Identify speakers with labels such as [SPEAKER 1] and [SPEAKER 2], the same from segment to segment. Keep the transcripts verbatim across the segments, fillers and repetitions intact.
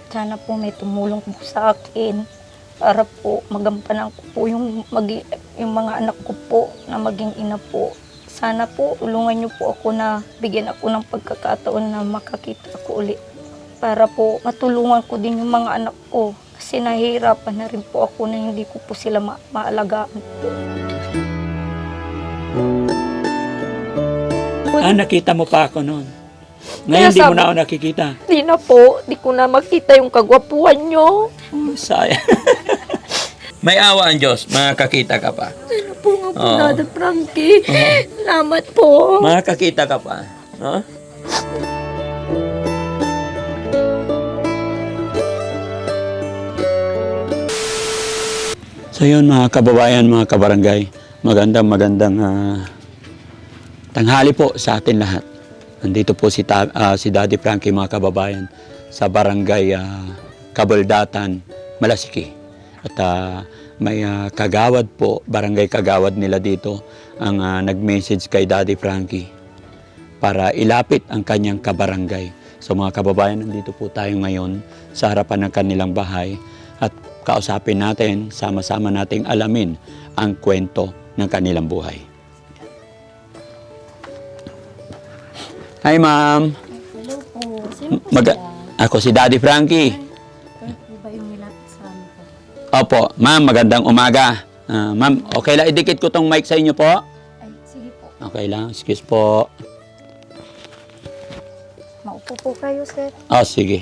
[SPEAKER 1] Sana po may tumulong po sa akin para po magampanan ko po yung, magi, yung mga anak ko po na maging ina po. Sana po tulungan niyo po ako na bigyan ako ng pagkakataon na makakita ako ulit para po matulungan ko din yung mga anak ko kasi nahihirapan na rin po ako na hindi ko po sila ma maalagaan po.
[SPEAKER 2] Ah, nakita mo pa ako noon. Ngayon,
[SPEAKER 1] Kaya
[SPEAKER 2] di mo
[SPEAKER 1] sabi-
[SPEAKER 2] na ako nakikita.
[SPEAKER 1] Di na po, di ko na makita yung kagwapuan niyo.
[SPEAKER 2] Oh, sayang. May awa ang Diyos, makakakita ka pa.
[SPEAKER 1] Ano po nga po,
[SPEAKER 2] Oo.
[SPEAKER 1] Dada Frankie.
[SPEAKER 2] Oo.
[SPEAKER 1] Salamat po.
[SPEAKER 2] Makakakita ka pa. No? So yun mga kababayan, mga kabarangay, magandang magandang ah, tanghali po sa atin lahat. Nandito po si, ta- ah, si Daddy Frankie mga kababayan sa barangay ah, Kabaldatan, Malasiki. At ah, may ah, kagawad po, barangay kagawad nila dito ang ah, nag-message kay Daddy Frankie para ilapit ang kanyang kabarangay. So mga kababayan, nandito po tayo ngayon sa harapan ng kanilang bahay at kausapin natin, sama-sama nating alamin ang kwento ng kanilang buhay. Hi ma'am!
[SPEAKER 1] Hello po. Sino po
[SPEAKER 2] Mag- ako si Daddy Frankie.
[SPEAKER 1] Kayo po ba yung nilapit sa amin po?
[SPEAKER 2] Opo, ma'am, magandang umaga. Ah, ma'am, okay lang, idikit ko tong mic sa inyo po.
[SPEAKER 1] Ay, sige po.
[SPEAKER 2] Okay lang, excuse po.
[SPEAKER 1] Maupo po kayo, sir.
[SPEAKER 2] Oh, sige.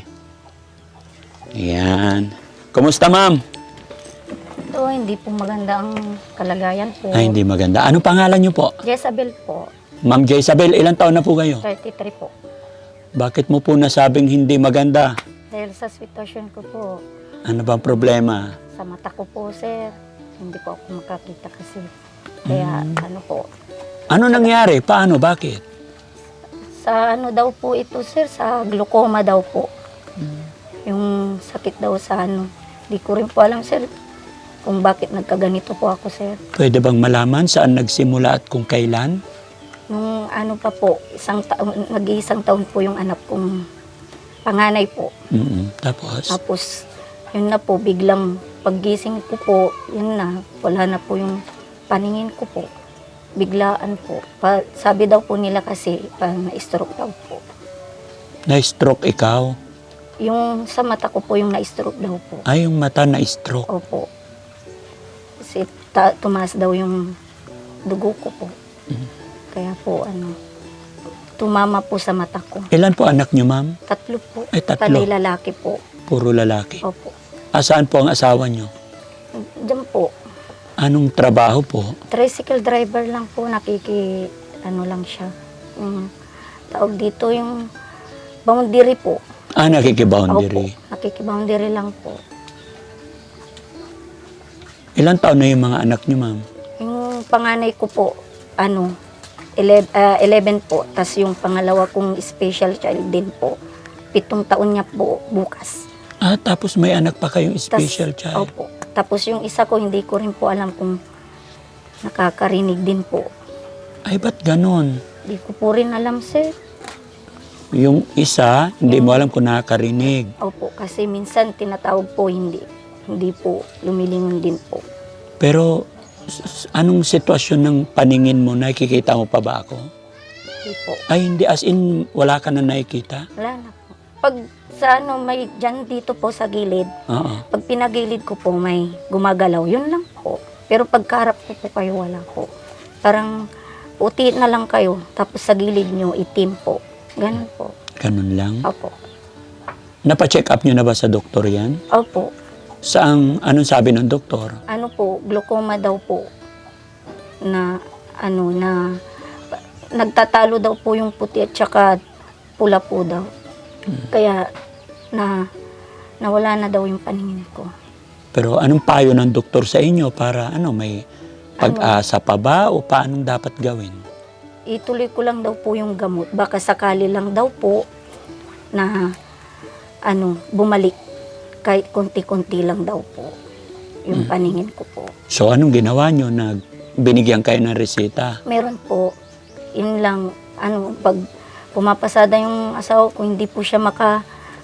[SPEAKER 2] Ayan. Kumusta ma'am?
[SPEAKER 1] Ito, hindi po maganda ang kalagayan po.
[SPEAKER 2] Ay, hindi maganda. Ano pangalan niyo po?
[SPEAKER 1] Jezabel po,
[SPEAKER 2] Ma'am Jezabel, ilang taon na po kayo?
[SPEAKER 1] thirty-three po.
[SPEAKER 2] Bakit mo po nasabing hindi maganda?
[SPEAKER 1] Dahil sa sitwasyon ko po,
[SPEAKER 2] Ano bang problema?
[SPEAKER 1] sa mata ko po, sir, hindi po ako makakita kasi. Kaya, ano po,
[SPEAKER 2] Ano nangyari? Paano? Bakit?
[SPEAKER 1] sa ano daw po ito, sir, sa glaucoma daw po. Yung sakit daw sa ano. Di ko rin po alam, sir, kung bakit nagkaganito po ako, sir.
[SPEAKER 2] Pwede bang malaman saan nagsimula at kung kailan?
[SPEAKER 1] Nung ano pa po, isang taon, nag-iisang taon po yung anak kong panganay po.
[SPEAKER 2] Mm-mm. Tapos?
[SPEAKER 1] Tapos, yun na po, biglang paggising ko po, yun na, wala na po yung paningin ko po. Biglaan po. Pa, sabi daw po nila kasi, parang na-stroke daw po.
[SPEAKER 2] Na-stroke ikaw?
[SPEAKER 1] Yung sa mata ko po, yung na-stroke daw po.
[SPEAKER 2] Ay, yung mata na-stroke.
[SPEAKER 1] Opo. Kasi ta- tumaas daw yung dugo ko po. Kaya po, ano, tumama po sa mata ko.
[SPEAKER 2] Ilan po anak niyo, ma'am?
[SPEAKER 1] Tatlo po.
[SPEAKER 2] Ay, tatlo.
[SPEAKER 1] Talay lalaki po.
[SPEAKER 2] Puro lalaki.
[SPEAKER 1] Opo.
[SPEAKER 2] Asaan po ang asawa niyo?
[SPEAKER 1] Diyan po.
[SPEAKER 2] Anong trabaho po?
[SPEAKER 1] Tricycle driver lang po, nakiki, ano lang siya. Yung tawag dito, yung boundary po.
[SPEAKER 2] Ah, nakikiboundary.
[SPEAKER 1] Opo, nakikiboundary lang po.
[SPEAKER 2] Ilan taon na yung mga anak niyo, ma'am?
[SPEAKER 1] Yung panganay ko po, ano, eleven, ah, eleven po. Tapos yung pangalawa kong special child din po, pitong taon niya po bukas.
[SPEAKER 2] Ah, tapos may anak pa kayong
[SPEAKER 1] Tas-
[SPEAKER 2] special child.
[SPEAKER 1] Opo. Tapos yung isa ko, hindi ko rin po alam kung nakakarinig din po.
[SPEAKER 2] Ay, ba't ganon?
[SPEAKER 1] Hindi ko po rin alam, sir.
[SPEAKER 2] Yung isa, hindi mo alam kung nakakarinig.
[SPEAKER 1] Opo, kasi minsan tinatawag po, hindi. Hindi po, lumilingon din po.
[SPEAKER 2] Pero, s- s- anong sitwasyon ng paningin mo? Nakikita mo pa ba ako?
[SPEAKER 1] Hindi po.
[SPEAKER 2] Ay, hindi. As in, wala ka na nakikita?
[SPEAKER 1] Wala na po. Pag sa ano, may dyan dito po sa gilid,
[SPEAKER 2] Oo.
[SPEAKER 1] pag pinagilid ko po may gumagalaw, yun lang po. Pero pagkarap ko po kayo, wala po. Parang puti na lang kayo, tapos sa gilid nyo, itim po. Ganun po.
[SPEAKER 2] Ganun lang.
[SPEAKER 1] Opo.
[SPEAKER 2] Napa-check up nyo na ba sa doktor yan?
[SPEAKER 1] Opo.
[SPEAKER 2] Saang, anong sabi ng doktor?
[SPEAKER 1] Ano po, glaucoma daw po. Na, ano, na, nagtatalo daw po yung puti at saka pula po daw. Kaya, na, nawala na daw yung paningin ko.
[SPEAKER 2] Pero anong payo ng doktor sa inyo para ano, may pag-asa pa ba o paanong dapat gawin?
[SPEAKER 1] Ituloy ko lang daw po yung gamot. Baka sakali lang daw po na ano, bumalik. Kahit konti-konti lang daw po yung paningin ko po.
[SPEAKER 2] So anong ginawa nyo? Nag, binigyan kayo ng reseta?
[SPEAKER 1] Meron po, yun lang, ano, pag pumapasada yung asawa ko, hindi po siya maka,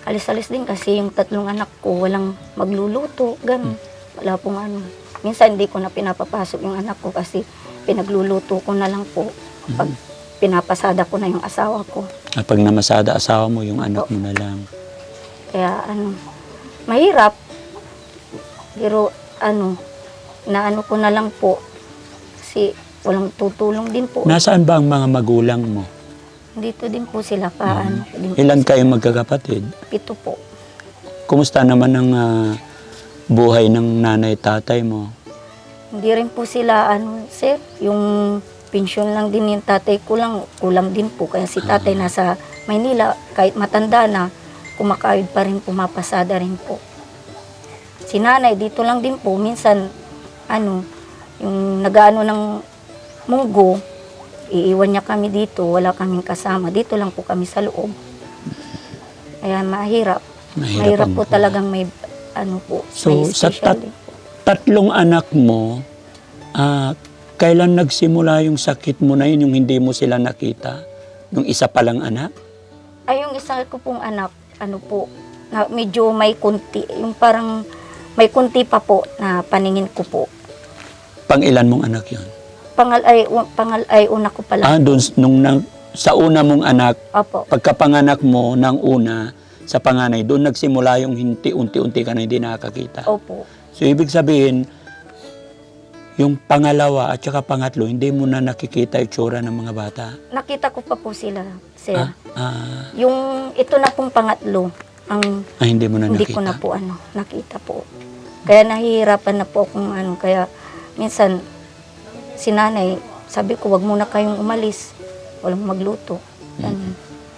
[SPEAKER 1] alis-alis din kasi yung tatlong anak ko walang magluluto, ganun. Wala pong ano. Minsan hindi ko na pinapapasok yung anak ko kasi pinagluluto ko na lang po pag pinapasada ko na yung asawa ko.
[SPEAKER 2] Ah, pag namasada asawa mo, yung anak mo na lang.
[SPEAKER 1] Kaya ano, mahirap. Pero ano, naano ko na lang po kasi walang tutulong din po.
[SPEAKER 2] Nasaan ba ang mga magulang mo?
[SPEAKER 1] Dito din po sila pa, ano. Din po
[SPEAKER 2] Ilan
[SPEAKER 1] sila.
[SPEAKER 2] kayo magkakapatid?
[SPEAKER 1] Pito po.
[SPEAKER 2] Kumusta naman ang ah, buhay ng nanay tatay mo?
[SPEAKER 1] Hindi rin po sila, ano, sir, yung pensyon lang din yung tatay ko lang, kulang din po. Kaya si tatay nasa Maynila, kahit matanda na, kumakayod pa rin, pumapasada rin po. Si nanay, dito lang din po, minsan, ano, yung nag-ano ng munggo, iiwan niya kami dito, wala kaming kasama. Dito lang po kami sa loob. Kaya mahirap.
[SPEAKER 2] Mahirap
[SPEAKER 1] Mahirap
[SPEAKER 2] ang
[SPEAKER 1] po
[SPEAKER 2] buhay.
[SPEAKER 1] talagang may, ano po,
[SPEAKER 2] So,
[SPEAKER 1] may
[SPEAKER 2] sa
[SPEAKER 1] special
[SPEAKER 2] tat-
[SPEAKER 1] din po.
[SPEAKER 2] Tatlong anak mo, ah, kailan nagsimula yung sakit mo na yun, yung hindi mo sila nakita? Yung isa palang anak?
[SPEAKER 1] Ay, yung isa ko pong anak, ano po, na medyo may kunti, yung parang may kunti pa po na paningin ko po.
[SPEAKER 2] Pang ilan mong anak yun?
[SPEAKER 1] Pangal ay, u- pangal ay una ko pala.
[SPEAKER 2] Ah, dun, nung nang, sa una mong anak,
[SPEAKER 1] Opo.
[SPEAKER 2] pagkapanganak mo ng una, sa panganay, doon nagsimula yung hinti, unti-unti ka na hindi nakakita.
[SPEAKER 1] Opo.
[SPEAKER 2] So, ibig sabihin, yung pangalawa at saka pangatlo, hindi mo na nakikita itsura ng mga bata.
[SPEAKER 1] Nakita ko pa po sila, sir.
[SPEAKER 2] Ah, ah,
[SPEAKER 1] Yung ito na pong pangatlo, ang
[SPEAKER 2] ah, hindi mo na
[SPEAKER 1] hindi
[SPEAKER 2] nakita.
[SPEAKER 1] ko na po ano, nakita po. Kaya nahihirapan na po akong ano, kaya minsan si nanay, sabi ko, wag muna kayong umalis. Walang magluto. Ganun.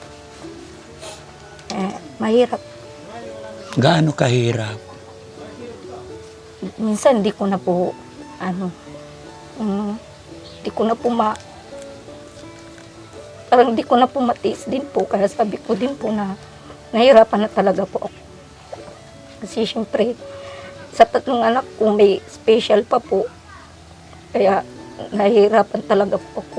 [SPEAKER 1] Eh, mahirap.
[SPEAKER 2] Gaano kahirap?
[SPEAKER 1] Minsan di ko na po, ano, um, di ko na po ma, parang di ko na po matiis din po. Kaya sabi ko din po na nahirapan na talaga po ako. Kasi syempre, sa tatlong anak ko may special pa po. Kaya nahihirapan talaga po ako.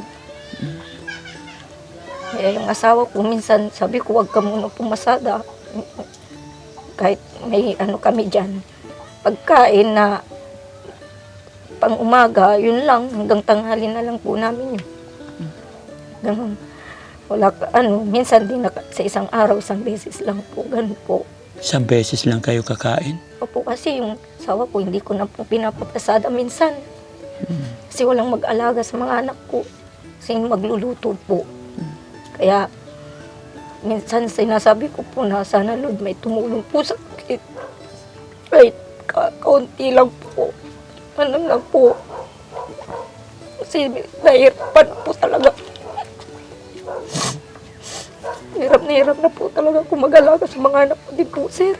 [SPEAKER 1] Kaya yung asawa ko, minsan sabi ko, wag ka muna pumasada. Kahit may ano kami dyan. Pagkain na pang umaga, yun lang, hanggang tanghali na lang po namin yun. Ganun. Wala ka, ano, minsan din na, sa isang araw, isang beses lang po, ganun po.
[SPEAKER 2] Isang beses lang kayo kakain?
[SPEAKER 1] Opo, kasi yung asawa ko, hindi ko na po pinapapasada minsan. Kasi walang mag-alaga sa mga anak ko. Kasi magluluto po. Kaya, minsan sinasabi ko po na sana Lord may tumulong po sa akin. Kahit ka kaunti lang po. Ano lang po. Kasi nahirapan po talaga. Hirap na hirap na po talaga kung mag-alaga sa mga anak ko din po, sir.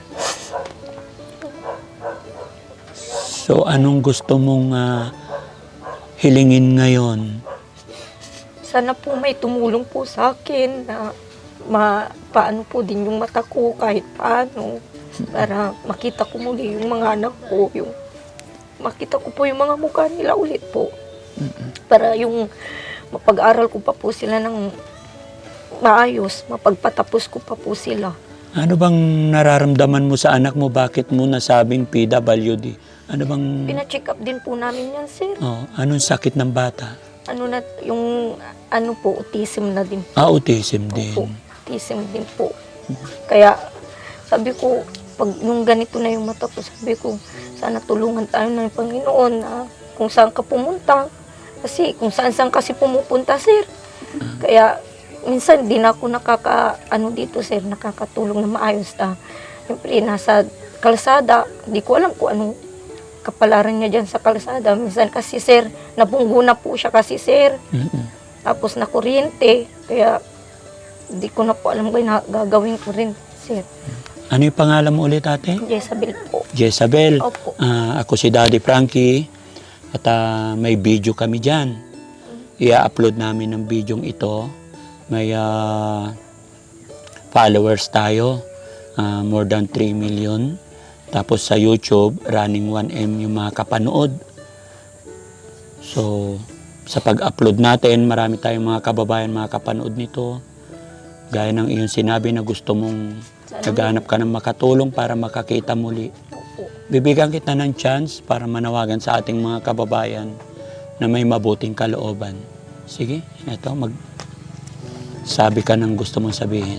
[SPEAKER 2] So, anong gusto mong ah, hilingin ngayon?
[SPEAKER 1] Sana po may tumulong po sa akin na ma, paano po din yung mata ko kahit paano. Para makita ko muli yung mga anak ko. Yung, makita ko po yung mga mukha nila ulit po. Para yung mapag-aral ko pa po sila ng maayos, mapagpatapos ko pa po sila.
[SPEAKER 2] Ano bang nararamdaman mo sa anak mo? Bakit mo nasabing P W D? Ano bang...
[SPEAKER 1] Pina-check up din po namin yan, sir.
[SPEAKER 2] Oh, anong sakit ng bata?
[SPEAKER 1] Ano na, yung ano po, autism na din.
[SPEAKER 2] Ah, autism din.
[SPEAKER 1] Po, autism din po. Kaya sabi ko, pag yung ganito na yung mata ko, sabi ko, sana tulungan tayo ng Panginoon na kung saan ka pumunta. Kasi kung saan saan kasi pumupunta, sir. Kaya minsan di na ako nakaka, ano dito, sir, nakakatulong na maayos na. Siyempre, nasa kalsada, di ko alam kung anong kapalaran niya dyan sa kalsada. Minsan kasi, sir, nabunggo na po siya kasi, sir.
[SPEAKER 2] Mm-mm.
[SPEAKER 1] Tapos na kuryente. Kaya, di ko na po alam kung na gagawin ko rin, sir.
[SPEAKER 2] Ano yung pangalan mo ulit, ate?
[SPEAKER 1] Jezabel po.
[SPEAKER 2] Jezabel.
[SPEAKER 1] Opo.
[SPEAKER 2] Ah, ako si Daddy Frankie. At ah, may video kami dyan. I-upload namin ng video ito. May ah, followers tayo. Ah, more than three million. Tapos sa YouTube, running one M yung mga kapanood. So, sa pag-upload natin, marami tayong mga kababayan, mga kapanood nito. Gaya ng iyong sinabi na gusto mong
[SPEAKER 1] Sana
[SPEAKER 2] Naghahanap ka ng makatulong para makakita muli.
[SPEAKER 1] Opo.
[SPEAKER 2] Bibigyan kita ng chance para manawagan sa ating mga kababayan na may mabuting kalooban. Sige, eto, mag... Sabi ka ng gusto mong sabihin.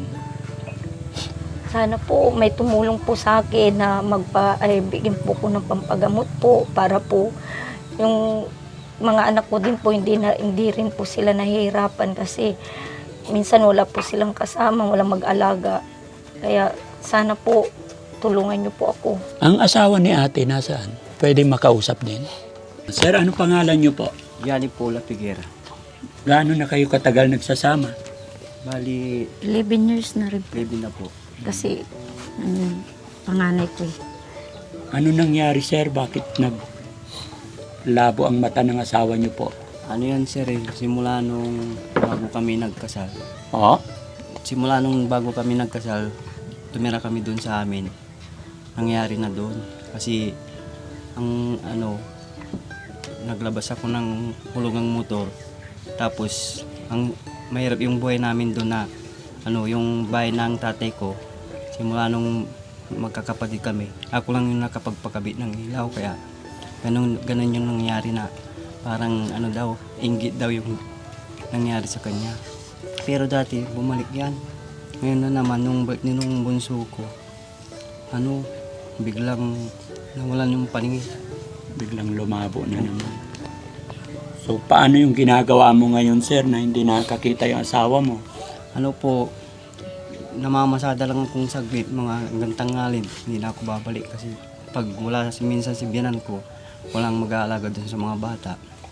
[SPEAKER 1] Sana po may tumulong po sa akin na magpa ay bigyan po ko ng pampagamot po para po yung mga anak ko din po hindi na hindi rin po sila nahihirapan kasi minsan wala po silang kasama, walang mag-alaga. Kaya sana po tulungan niyo po ako.
[SPEAKER 2] Ang asawa ni ate nasaan? Pwede makausap din. Sir, ano pangalan niyo po?
[SPEAKER 3] Yani Paula Figuera.
[SPEAKER 2] Gaano na kayo katagal nagsasama?
[SPEAKER 3] Bali,
[SPEAKER 1] eleven years na rin po.
[SPEAKER 3] baby na po.
[SPEAKER 1] Kasi ano, panganay ko eh.
[SPEAKER 2] Ano nangyari, sir? Bakit nag labo ang mata ng asawa niyo po?
[SPEAKER 3] Ano yan sir eh, simula nung bago kami nagkasal.
[SPEAKER 2] Oo?
[SPEAKER 3] Simula nung bago kami nagkasal, tumira kami doon sa amin. Nangyari na doon. Kasi, ang ano, naglabas ako ng hulungang motor. Tapos, ang mahirap yung buhay namin doon na, ano, yung bahay ng tatay ko, simula nung magkakapatid kami, ako lang yung nakapagpakabit ng ilaw, kaya ganun, ganun yung nangyari na parang ano daw, inggit daw yung nangyari sa kanya. Pero dati, bumalik yan. Ngayon na naman, nung balik ni nung bunso ko, ano, biglang nawalan yung paningin.
[SPEAKER 2] Biglang lumabo na naman. So, paano yung ginagawa mo ngayon, sir, na hindi nakakita yung asawa mo?
[SPEAKER 3] Ano po, namamasada lang akong saglit, mga hanggang tangalin, hindi na ako babalik kasi pag wala si minsan si biyanan ko, walang mag-aalaga dun sa mga bata.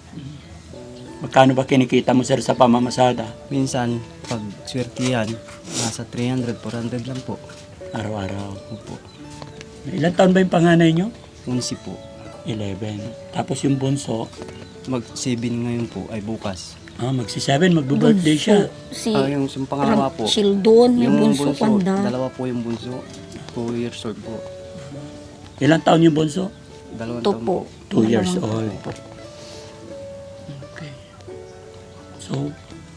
[SPEAKER 2] Magkano ba kinikita mo, sir, sa pamamasada?
[SPEAKER 3] Minsan, pag swertihan, nasa three hundred, four hundred lang po.
[SPEAKER 2] Araw-araw.
[SPEAKER 3] Opo.
[SPEAKER 2] Ilan taon ba yung panganay nyo?
[SPEAKER 3] Unsi po.
[SPEAKER 2] eleven. Tapos yung bunso,
[SPEAKER 3] Mag-seven ngayon po ay bukas.
[SPEAKER 2] ah, magsi-seven, magbo-birthday siya.
[SPEAKER 1] Si
[SPEAKER 3] Ah, yung yung pangalawa po.
[SPEAKER 1] Sheldon, may bunso, panda.
[SPEAKER 3] dalawa po yung bunso. Two years old po.
[SPEAKER 2] Ilan taon yung bunso?
[SPEAKER 3] Dalawang
[SPEAKER 1] Ito
[SPEAKER 3] taon
[SPEAKER 1] po.
[SPEAKER 2] Two years
[SPEAKER 1] Dalawang-
[SPEAKER 2] old. Okay. So,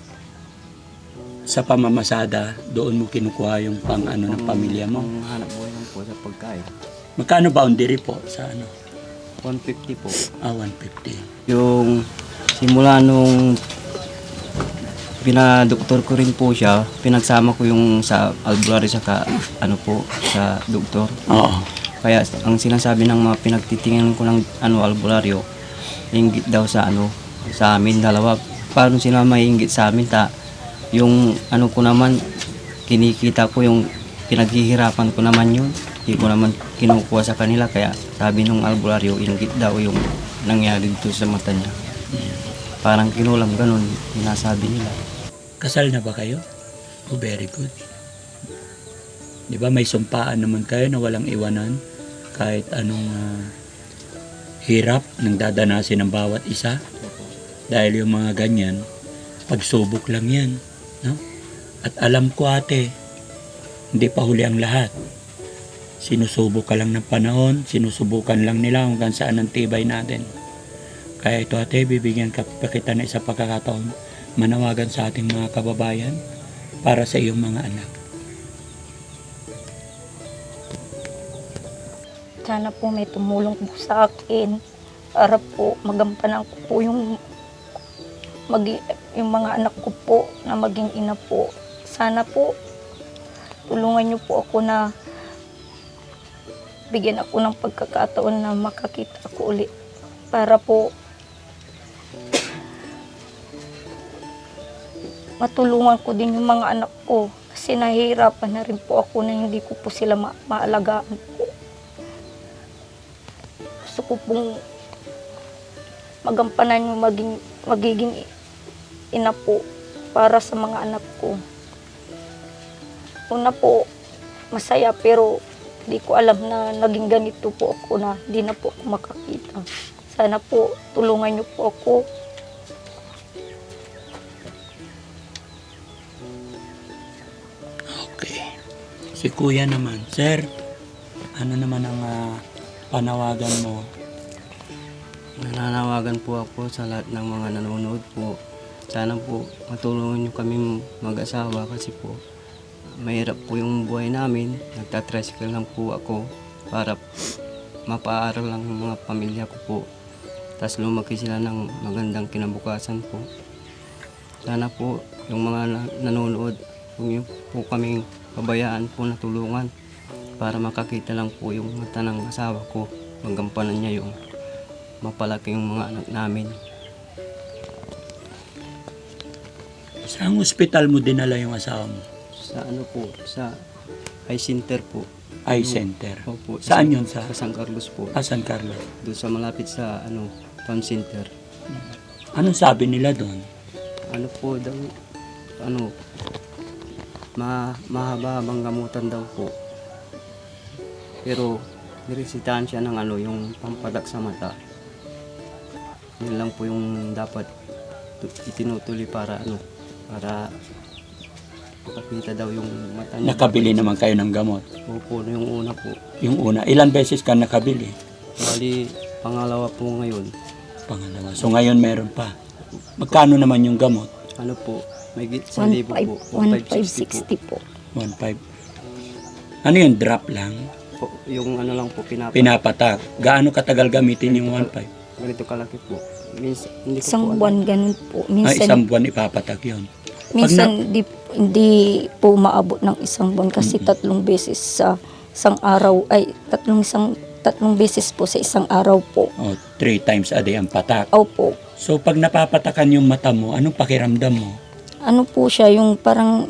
[SPEAKER 2] sa pamamasada, doon mo kinukuha yung pang ano ng pamilya mo.
[SPEAKER 3] Ang hanap buhay lang po sa pagkain.
[SPEAKER 2] Magkano boundary po sa ano?
[SPEAKER 3] one fifty po.
[SPEAKER 2] Ah, one fifty.
[SPEAKER 3] Yung simula nung pinadoktor ko rin po siya, pinagsama ko yung sa albularyo saka ano po, sa doktor.
[SPEAKER 2] Oo.
[SPEAKER 3] Kaya ang sinasabi ng mga pinagtitingnan ko ng ano albularyo, inggit daw sa ano, sa amin dalawa. Paano sila maiinggit sa amin ta? Yung ano ko naman, kinikita ko yung pinaghihirapan ko naman yun. Hindi ko naman kinukuha sa kanila, kaya sabi nung albularyo, inggit daw yung nangyari dito sa mata niya. Parang kinulam ganun, sinasabi nila.
[SPEAKER 2] Kasal na ba kayo? Oh, very good. Di ba may sumpaan naman kayo na walang iwanan kahit anong ah, hirap nang dadanasin ng bawat isa? Dahil yung mga ganyan, pagsubok lang yan. No? At alam ko, ate, hindi pa huli ang lahat. Sinusubok ka lang ng panahon, sinusubukan lang nila hanggang saan ang tibay natin. Kaya ito, ate, bibigyan ka pa kita na isang pagkakataon, manawagan sa ating mga kababayan para sa iyong mga anak.
[SPEAKER 1] Sana po may tumulong po sa akin para po magampanan ko po yung, magi, yung mga anak ko po na maging ina po. Sana po tulungan niyo po ako na bigyan ako ng pagkakataon na makakita ako ulit para po matulungan ko din yung mga anak ko kasi nahihirapan na rin po ako na hindi ko po sila ma- maalagaan po. Gusto ko pong magampanan yung maging, magiging ina po para sa mga anak ko. Una po, masaya pero hindi ko alam na naging ganito po ako na hindi na po ako makakita. Sana po tulungan niyo po ako.
[SPEAKER 2] Okay. Si kuya naman. Sir, ano naman ang ah, panawagan mo?
[SPEAKER 3] Nananawagan po ako sa lahat ng mga nanonood po. Sana po matulungan niyo kami mag-asawa kasi po mahirap po yung buhay namin. Nagtatricycle lang po ako para mapaaral lang yung mga pamilya ko po. Tapos lumaki sila ng magandang kinabukasan po. Sana po yung mga na- nanonood, kung yun po kaming pabayaan po na tulungan para makakita lang po yung mata ng asawa ko. Magampanan niya yung mapalaki yung mga anak namin.
[SPEAKER 2] Saan hospital mo dinala yung asawa mo?
[SPEAKER 3] Sa ano po, sa eye center po.
[SPEAKER 2] Eye center.
[SPEAKER 3] Opo,
[SPEAKER 2] Saan yun? Sa
[SPEAKER 3] Sa San Carlos po.
[SPEAKER 2] ah, San Carlos.
[SPEAKER 3] Doon sa malapit sa ano, town center.
[SPEAKER 2] Anong sabi nila doon?
[SPEAKER 3] Ano po daw, ano, ma mahaba-habang gamutan daw po. Pero niresitahan siya ng ano, yung pampadak sa mata. Yun lang po yung dapat tu- itinutuloy para ano, para makakita daw yung mata niya.
[SPEAKER 2] Nakabili naman kayo ng gamot.
[SPEAKER 3] Opo, yung una po.
[SPEAKER 2] Yung una, ilan beses ka nakabili?
[SPEAKER 3] Bali, pangalawa po ngayon.
[SPEAKER 2] Pangalawa. So ngayon meron pa. Magkano naman yung gamot?
[SPEAKER 3] Ano po, may git sa libo po.
[SPEAKER 1] one five sixty po.
[SPEAKER 2] one five. Ano yung drop lang?
[SPEAKER 3] po. Yung ano lang po, pinapa.
[SPEAKER 2] Pinapatak. Gaano katagal gamitin yung one five?
[SPEAKER 3] Ganito kalaki po. Minsan, hindi ko
[SPEAKER 1] Isang
[SPEAKER 3] po alam.
[SPEAKER 1] buwan ganun po.
[SPEAKER 2] Ah,
[SPEAKER 1] Minsan,
[SPEAKER 2] isang buwan ipapatak yun.
[SPEAKER 1] minsan di, hindi po maabot ng isang buwan kasi tatlong beses sa isang araw, ay tatlong isang tatlong beses po sa isang araw po.
[SPEAKER 2] O, three times a day ang patak.
[SPEAKER 1] Opo.
[SPEAKER 2] So pag napapatakan yung mata mo, anong pakiramdam mo?
[SPEAKER 1] Ano po siya, yung parang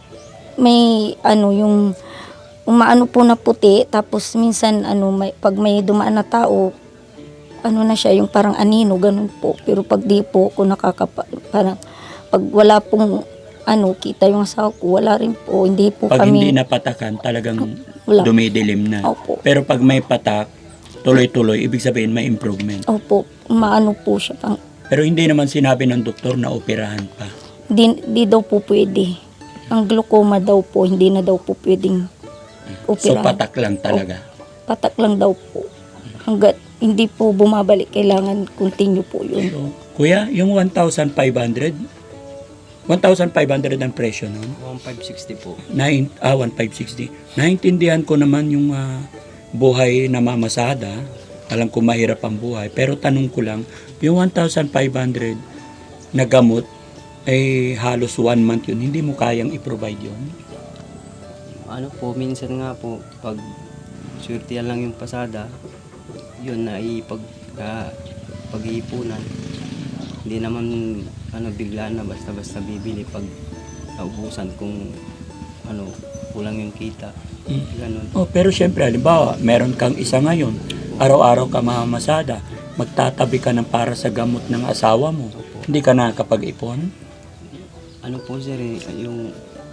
[SPEAKER 1] may ano, yung umaano po na puti, tapos minsan ano, may, pag may dumaan na tao, ano na siya, yung parang anino, ganun po. Pero pag di po ako nakakapa, parang pag wala pong ano, kita yung asawa ko, wala rin po, hindi po
[SPEAKER 2] Pag
[SPEAKER 1] kami.
[SPEAKER 2] hindi napatakan, talagang
[SPEAKER 1] Wala.
[SPEAKER 2] dumidilim na.
[SPEAKER 1] Opo.
[SPEAKER 2] Pero pag may patak, tuloy-tuloy, ibig sabihin may improvement.
[SPEAKER 1] Opo, maano po siya. Pang,
[SPEAKER 2] Pero hindi naman sinabi ng doktor na operahan pa.
[SPEAKER 1] di, di daw po pwede. Ang glaucoma daw po, hindi na daw po pwedeng
[SPEAKER 2] So
[SPEAKER 1] operahan.
[SPEAKER 2] patak lang talaga.
[SPEAKER 1] Patak lang daw po. Hanggat hindi po bumabalik, kailangan continue po yun.
[SPEAKER 2] So, kuya, yung one thousand five hundred, one thousand five hundred ang presyo nun.
[SPEAKER 3] one five sixty po.
[SPEAKER 2] Nine, ah, one five sixty. Naintindihan ko naman yung ah, buhay na mamasada. Alam ko mahirap ang buhay. Pero tanong ko lang, yung one thousand five hundred na gamot, ay halos one month yun. Hindi mo kayang i-provide yun.
[SPEAKER 3] Ano po, minsan nga po, pag surtihan lang yung pasada, yun na ipag, uh, pag-iipunan. Hindi naman ano, bigla na basta-basta bibili pag naubusan kung ano, kulang yung kita.
[SPEAKER 2] Mm.
[SPEAKER 3] Ganun.
[SPEAKER 2] Oh, pero syempre, halimbawa, meron kang isa ngayon, araw-araw ka mamamasada, magtatabi ka ng para sa gamot ng asawa mo. Hindi ka nakakapag-ipon?
[SPEAKER 3] Ano po sir, eh, yung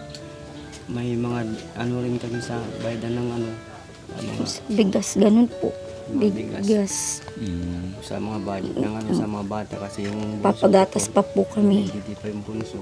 [SPEAKER 3] may mga ano rin kami sa bayadan ng ano, sa mga,
[SPEAKER 1] Bigas, ganun po.
[SPEAKER 3] mga bigas.
[SPEAKER 1] Bigas.
[SPEAKER 2] Mm.
[SPEAKER 3] Sa mga budget ng ano, sa mga bata kasi yung bunso
[SPEAKER 1] Papagatas
[SPEAKER 3] ko
[SPEAKER 1] pa po kami.
[SPEAKER 3] Hindi pa yung bunso.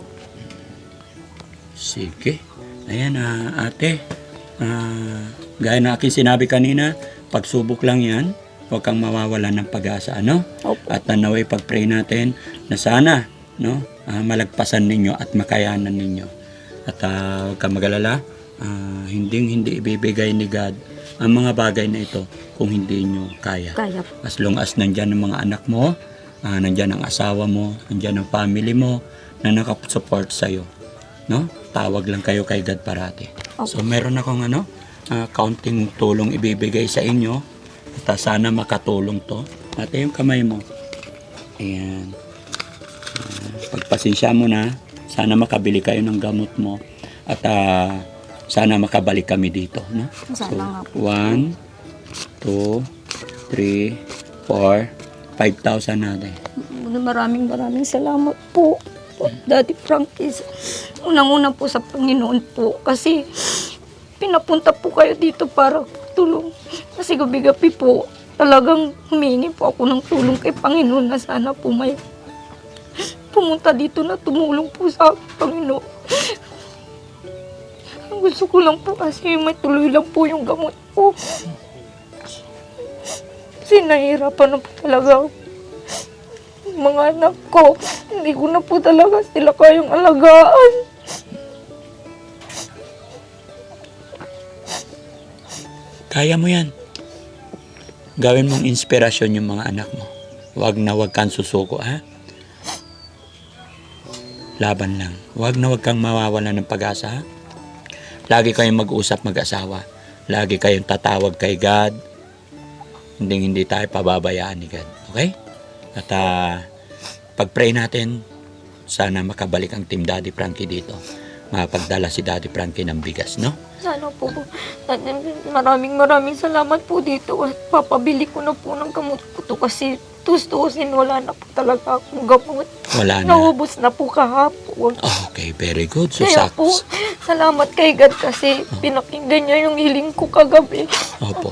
[SPEAKER 2] Sige. Ayan, ah, ate. Ah, gaya na aking sinabi kanina, pagsubok lang yan. Huwag kang mawawalan ng pag-asa, ano?
[SPEAKER 1] Opo.
[SPEAKER 2] At nanaway pag-pray natin na sana, no, ah, malagpasan ninyo at makayanan ninyo. At ah, huwag kang mag-alala, ah, hindi hindi ibibigay ni God ang mga bagay na ito kung hindi nyo kaya.
[SPEAKER 1] Kaya po.
[SPEAKER 2] As long as nandyan ang mga anak mo, ah, nandyan ang asawa mo, nandyan ang family mo na nakasupport sa'yo. No? Tawag lang kayo kay God parati. So meron akong ano, ah, kaunting tulong ibibigay sa inyo. At ah, sana makatulong to. Ate, yung kamay mo. Ayan. Ah, pagpasensya mo na, sana makabili kayo ng gamot mo. At ah, sana makabalik kami dito. No?
[SPEAKER 1] Sana nga po.
[SPEAKER 2] One, two, three, four, five thousand natin.
[SPEAKER 1] Maraming maraming salamat po. po, Daddy Frankie. Unang-una po sa Panginoon po. Kasi pinapunta po kayo dito para tulong. Kasi gabi-gabi po, talagang humingi po ako ng tulong kay Panginoon na sana po may pumunta dito na tumulong po sa akin, Panginoon. Ang gusto ko lang po kasi may tuloy lang po yung gamot po. Kasi nahihirapan na po talaga ako. Yung mga anak ko, hindi ko na po talaga sila kayang alagaan.
[SPEAKER 2] Kaya mo yan. Gawin mong inspirasyon yung mga anak mo. Huwag na huwag kang susuko, ha? Laban lang. Huwag na huwag kang mawawala ng pag-asa, ha? Lagi kayong mag-usap mag-asawa. Lagi kayong tatawag kay God. Hindi hindi tayo pababayaan ni God. Okay? At uh, pag-pray natin, sana makabalik ang Team Daddy Frankie dito. Makapagdala si Daddy Frankie ng bigas, no?
[SPEAKER 1] Sana po, maraming maraming salamat po dito. At papabili ko na po ng gamot ko to kasi tustusin, wala na po talaga akong gamot.
[SPEAKER 2] Wala na.
[SPEAKER 1] Naubos na po kahapon.
[SPEAKER 2] Okay, very good. So,
[SPEAKER 1] Kaya po,
[SPEAKER 2] saks.
[SPEAKER 1] salamat kay God kasi pinakinggan niya yung hiling ko kagabi.
[SPEAKER 2] Opo.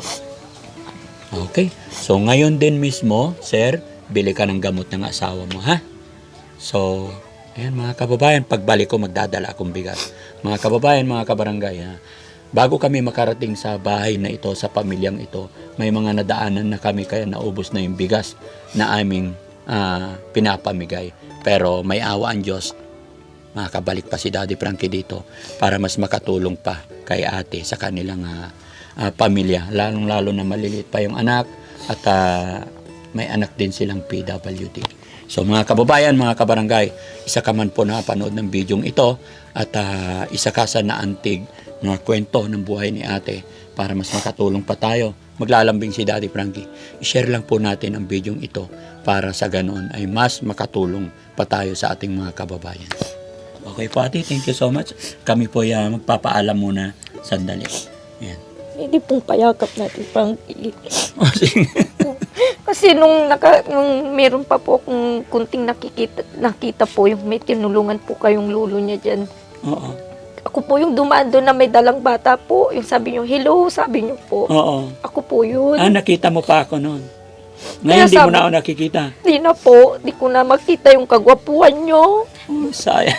[SPEAKER 2] Okay. So, ngayon din mismo, sir, bili ka ng gamot ng asawa mo, ha? So, ayan mga kababayan, pagbalik ko magdadala akong bigas. Mga kababayan, mga kabarangay, ha? Bago kami makarating sa bahay na ito, sa pamilyang ito, may mga nadaanan na kami kaya naubos na yung bigas na aming ah, pinapamigay. Pero may awa ang Diyos, makakabalik pa si Daddy Frankie dito para mas makatulong pa kay ate sa kanilang ah, ah, pamilya. Lalong-lalo na maliliit pa yung anak at ah, may anak din silang P W D. So mga kababayan, mga kabarangay, isa ka man po nakapanood ng bidyong ito at ah, isa ka sa naantig na kwento ng buhay ni ate para mas makatulong pa tayo. Maglalambing si Daddy Frankie. I-share lang po natin ang bidyong ito para sa ganoon ay mas makatulong pa tayo sa ating mga kababayan. Okay po ate, thank you so much. Kami po uh, magpapaalam muna sandali. Ayan.
[SPEAKER 1] Hindi pong payakap natin pang
[SPEAKER 2] Oh, sige.
[SPEAKER 1] Kasi nung, naka, nung meron pa po akong kunting nakikita, nakita po yung may tinulungan po kayong lulo niya dyan.
[SPEAKER 2] Oo.
[SPEAKER 1] Ako po yung dumaan doon na may dalang bata po. Yung sabi niyo, hello, sabi niyo po.
[SPEAKER 2] Oo.
[SPEAKER 1] Ako po yun.
[SPEAKER 2] Ah, nakita mo pa ako noon. Ngayon,
[SPEAKER 1] Kaya
[SPEAKER 2] di mo
[SPEAKER 1] sabi-
[SPEAKER 2] na ako nakikita.
[SPEAKER 1] Di na po, di ko na makita yung kagwapuan niyo.
[SPEAKER 2] Oh, sayang.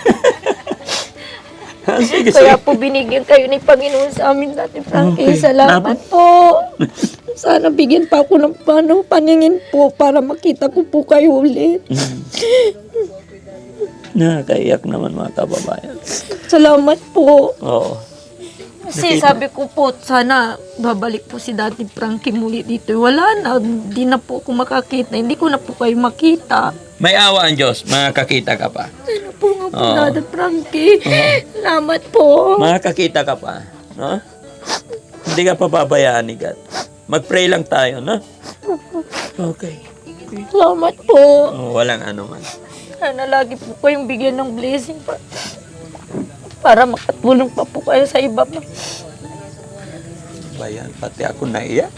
[SPEAKER 2] sige,
[SPEAKER 1] Kaya
[SPEAKER 2] sige.
[SPEAKER 1] po binigyan kayo ni Panginoon sa amin dati, Frankie.
[SPEAKER 2] Okay.
[SPEAKER 1] Salamat po. Sana bigyan pa ako ng ano, paningin po para makita ko po kayo ulit.
[SPEAKER 2] Mm. Nakakaiyak naman mga kababayan.
[SPEAKER 1] Salamat po.
[SPEAKER 2] Oo.
[SPEAKER 1] Kasi
[SPEAKER 2] Nakita.
[SPEAKER 1] sabi ko po, sana babalik po si Daddy Frankie muli dito. Wala na, hindi na po ako makakita. Hindi ko na po kayo makita.
[SPEAKER 2] May awa ang Diyos, makakakita ka pa.
[SPEAKER 1] Sana po nga po,
[SPEAKER 2] Oo.
[SPEAKER 1] Daddy Frankie. Salamat po.
[SPEAKER 2] Makakakita ka pa. No? Hindi ka pababayaan ni God. Mag-pray lang tayo, no? Okay.
[SPEAKER 1] Salamat po.
[SPEAKER 2] Oh, walang ano man.
[SPEAKER 1] Sana lagi po kayong bigyan ng blessing pa. Para makatulong pa po kayo sa iba pa.
[SPEAKER 2] Bayan, pati ako naiyak.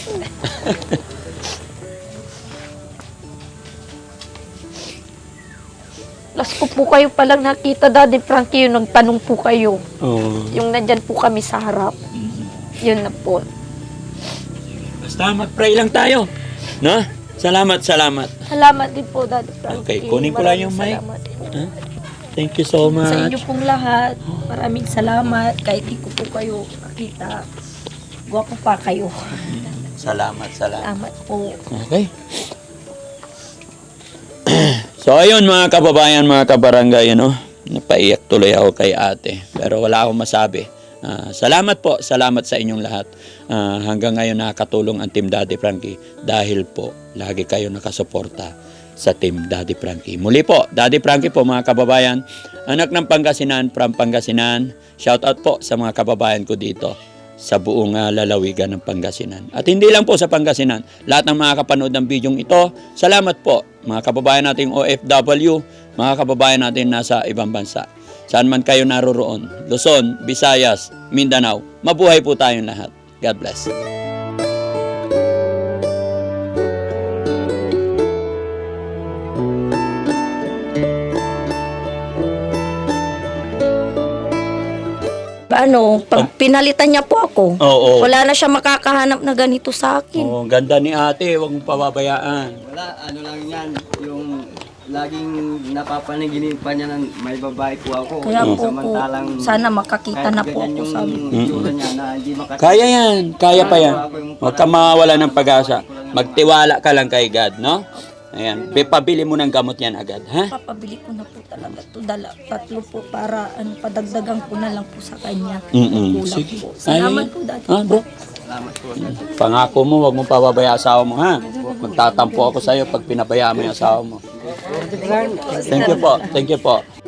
[SPEAKER 1] Last ko po kayo palang nakita, Daddy Frankie, yung nagtanong po kayo.
[SPEAKER 2] Oo.
[SPEAKER 1] Yung nandyan po kami sa harap. Yun na po.
[SPEAKER 2] Basta mag-pray lang tayo. No? Salamat, salamat.
[SPEAKER 1] Salamat din po, Daddy Frankie.
[SPEAKER 2] Okay, kunin ko lang yung mic.
[SPEAKER 1] Maraming salamat.
[SPEAKER 2] Ha? Thank you so much.
[SPEAKER 1] Sa inyo pong lahat, maraming salamat. Kahit di ko po kayo nakita, gwapo pa kayo.
[SPEAKER 2] Salamat, salamat.
[SPEAKER 1] Salamat po.
[SPEAKER 2] Okay. So ayun mga kababayan, mga kabarangay, ano, napaiyak tuloy ako kay ate. Pero wala akong masabi. Ah, salamat po, salamat sa inyong lahat. Ah, hanggang ngayon nakakatulong ang Team Daddy Frankie dahil po lagi kayo nakasuporta sa Team Daddy Frankie. Muli po, Daddy Frankie po mga kababayan, anak ng Pangasinan, from Pangasinan. Shout out po sa mga kababayan ko dito sa buong uh, lalawigan ng Pangasinan. At hindi lang po sa Pangasinan, lahat ng mga kapanood ng bidyong ito, salamat po mga kababayan nating O F W, mga kababayan natin nasa ibang bansa. Saan man kayo naroroon, Luzon, Visayas, Mindanao, mabuhay po tayong lahat. God bless.
[SPEAKER 1] Ano, pag pinalitan niya po ako,
[SPEAKER 2] Oo.
[SPEAKER 1] wala na siya makakahanap na ganito sa akin.
[SPEAKER 2] Oh, ganda ni ate, huwag mong pababayaan.
[SPEAKER 3] Wala, ano lang yan, yung laging napapanaginipan niya ng may babae po ako.
[SPEAKER 1] Kaya po po,
[SPEAKER 3] Samantalang
[SPEAKER 1] sana makakita
[SPEAKER 3] kahit
[SPEAKER 1] na po
[SPEAKER 3] ganyan
[SPEAKER 1] ako
[SPEAKER 3] yung
[SPEAKER 1] sabi.
[SPEAKER 3] itsura niya na hindi makakita.
[SPEAKER 2] Kaya yan, kaya pa yan. Huwag ka mawawala ng pag-asa. Magtiwala ka lang kay God, no? Ayan, pabili mo ng gamot yan agad, ha?
[SPEAKER 1] Papabili ko na po talaga to dala, tatlo po para ano, padagdagan ko na lang po sa kanya.
[SPEAKER 2] Mm-mm.
[SPEAKER 1] Kulang
[SPEAKER 2] Sige.
[SPEAKER 1] po. Salamat
[SPEAKER 2] Ay,
[SPEAKER 1] po, Daddy.
[SPEAKER 2] Ah, bro.
[SPEAKER 3] Salamat po.
[SPEAKER 2] Pangako mo, wag mo pababaya asawa mo, ha? Magtatampo ako sa'yo pag pinabaya mo yung asawa mo. Thank you po. Thank you po.